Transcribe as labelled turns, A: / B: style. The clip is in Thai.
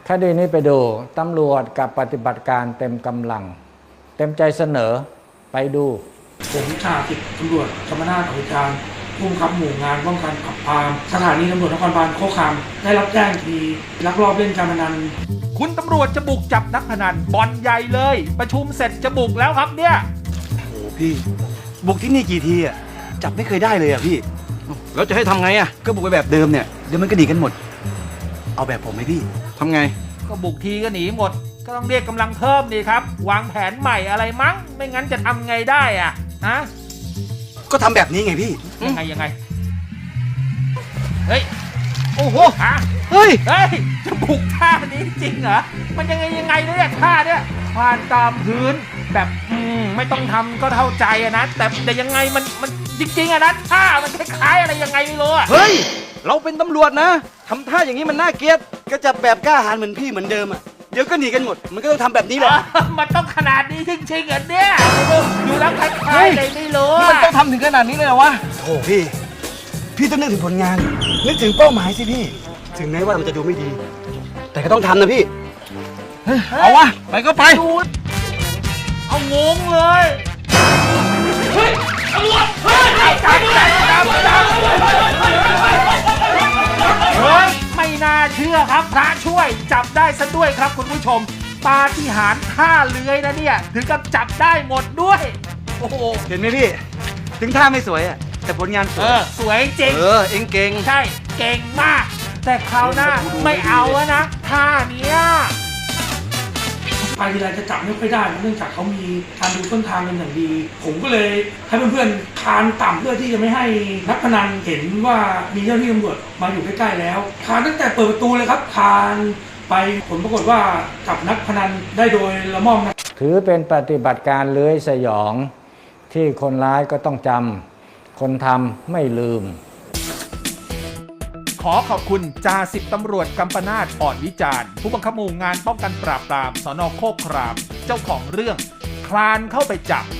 A: คดีนี้ไปดูตำรวจกับปฏิบัติการเต็มกำลัง เต็มใจเสนอไปดู
B: ผมจ่าสิบตำรวจกำมนาจอภิการผู้บังคับหมู่งานป้องกันปราบปรามสถานีตำรวจนครบาลโคกคามได้รับแจ้งทีลักลอบเล่นการพนัน
C: คุณตำรวจจะบุกจับนักพนันบ่อนใหญ่เลย ประชุมเสร็จจะบุกแล้วครับเนี่ย
D: โอ้พี่บุกที่นี่กี่ทีอ่ะจับไม่เคยได้เลยอ่ะพี่แล้วจะให้ทำไงอ่ะก็บุกไปแบบเดิมเนี่ยเดี๋ยวมันก็หนีกันหมด เอาแบบผมไหมพี่ทำไง
C: ก็บุกทีก็หนีหมด ก็ต้องเรียกกำลังเพิ่มดีครับ วางแผนใหม่อะไรมั้ง ไม่งั้นจะทำไงได้อ่ะฮะ
D: ก็ทำแบบนี้ไงพี่
C: ยังไงเฮ้ยโอ้โหฮะ
D: เฮ้ย
C: เฮ้ยจะบุกท่านี้จริงเหรอมันยังไงเนี่ยท่าเนี่ยควานตามพื้นแบบไม่ต้องทำก็เข้าใจอะนะแต่ยังไงมันจริงๆอะนะท่ามันคล้ายๆอะไรยังไงไม่รู้อะ
D: เฮ้ยเราเป็นตำรวจนะทำท่าอย่างนี้มันน่าเกลียดก็จับแบบกล้าหาญเหมือนพี่เหมือนเดิมอ่ะเดี๋ยวก็หนีกันหมดมันก็ต้องทำแบบนี้แหละ
C: มันต้องขนาดนี้จริงๆเหรอเนี่ยดูแล้วคล้ายๆเลยไม่รู้
D: มันต้องทำถึงขนาดนี้เลยเหรอวะโอ้พี่ต้องนึกถึงผลงานนึกถึงเป้าหมายสิพี่ถึงแม้ว่ามันจะดูไม่ดี แต่ก็ต้องทำนะพี่เอาวะไปก็ไป
C: ดูเอางงเลยเฮ้ยตำรวจเฮ้ยจับเฮ้ยไม่น่าเชื่อครับพระช่วยจับได้ซะด้วยครับคุณผู้ชมปาฏิหาริย์ท่าเลื้อยนะเนี่ยถึงกับจับได้หมดด้วยโอ้โห
D: เห็นไหมพี่ ถึงท่าไม่สวยอ่ะแต่ผลงานสวย
C: สวยจริง
D: เอ็งเก่ง
C: ใช่เก่งมาก แต่คราวหน้าไม่เอาแล้วนะท่าเนี้ย
B: ไปทีไรจะจับไม่ค่อยได้เนื่องจากเขามีการดูต้นทางกันอย่างดี ผมก็เลยให้เพื่อนๆคานต่ำเพื่อที่จะไม่ให้นักพนันเห็นว่ามีเจ้าหน้าที่ตำรวจมาอยู่ใกล้ๆแล้วคานตั้งแต่เปิดประตูเลยครับคานไปผลปรากฏว่าจับนักพนันได้โดยละม่อมนะ
A: ถือเป็นปฏิบัติการเลื้อยสยองที่คนร้ายก็ต้องจำคนทำไม่ลืม
C: ขอขอบคุณจ่าสิบตำรวจกัมปนาตอ่อนวิจารณ์ผู้บังคับหมู่งานป้องกันปราบปรามสน.โคกครามเจ้าของเรื่องคลานเข้าไปจับ